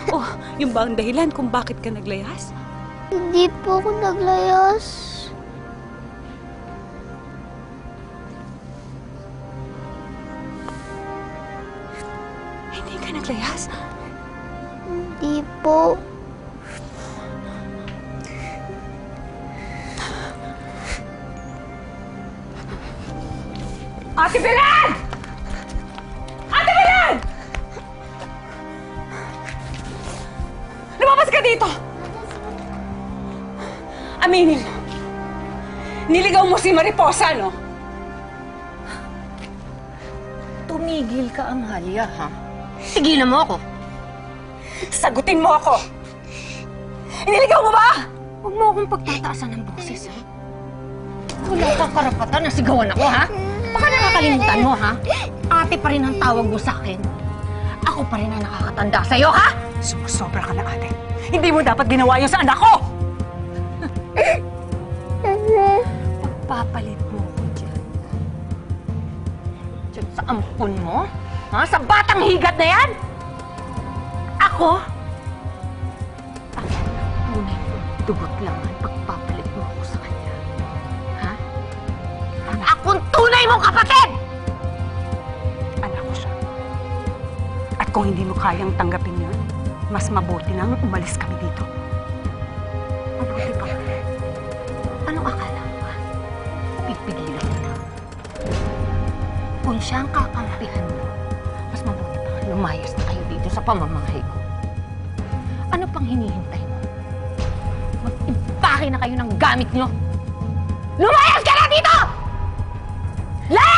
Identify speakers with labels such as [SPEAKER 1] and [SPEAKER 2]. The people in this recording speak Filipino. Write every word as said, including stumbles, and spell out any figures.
[SPEAKER 1] Oh, yung ba ang dahilan kung bakit ka naglayas?
[SPEAKER 2] Hindi po ako naglayas.
[SPEAKER 1] Hindi ka naglayas?
[SPEAKER 2] Hindi po.
[SPEAKER 1] Ate Belen! Ate Belen! Lumabas ka dito! Aminin mo. Niligaw mo si Mariposa, no?
[SPEAKER 3] Tumigil ka, Amalia, ha? Tigilan mo ako.
[SPEAKER 1] Sagutin mo ako! Niligaw mo ba?
[SPEAKER 3] Huwag mo akong pagtataasan ng boses, ha? Wala kang karapatan na sigawan ako, ha? Baka nakakalimutan mo, ha? Ate pa rin ang tawag mo sa akin. Ako pa rin ang nakakatanda sa'yo, ha?
[SPEAKER 1] Sumusobra ka na, ate. Hindi mo dapat ginawa yun sa anak ko!
[SPEAKER 3] Pagpapalit mo ako dyan. Dyan sa ampun mo? Ha? Sa batang higat na yan? Ako? Tunay mo, dugot lang ang pagpapalit mo ako sa kanya. Ha? Akong tunay mong kapatid!
[SPEAKER 1] Anak ko siya. At kung hindi mo kayang tanggapin yun, mas mabuti nang umalis kami dito.
[SPEAKER 3] Mabuti pa. Anong akala mo, ha? Pipigilan mo na. Kung siya ang kakampihan mo, mas mabuti pa lumayas na kayo dito sa pamamahay ko. Ano pang hinihintay mo? Mag-impake na kayo ng gamit nyo! Lumayas ka na dito! Layas!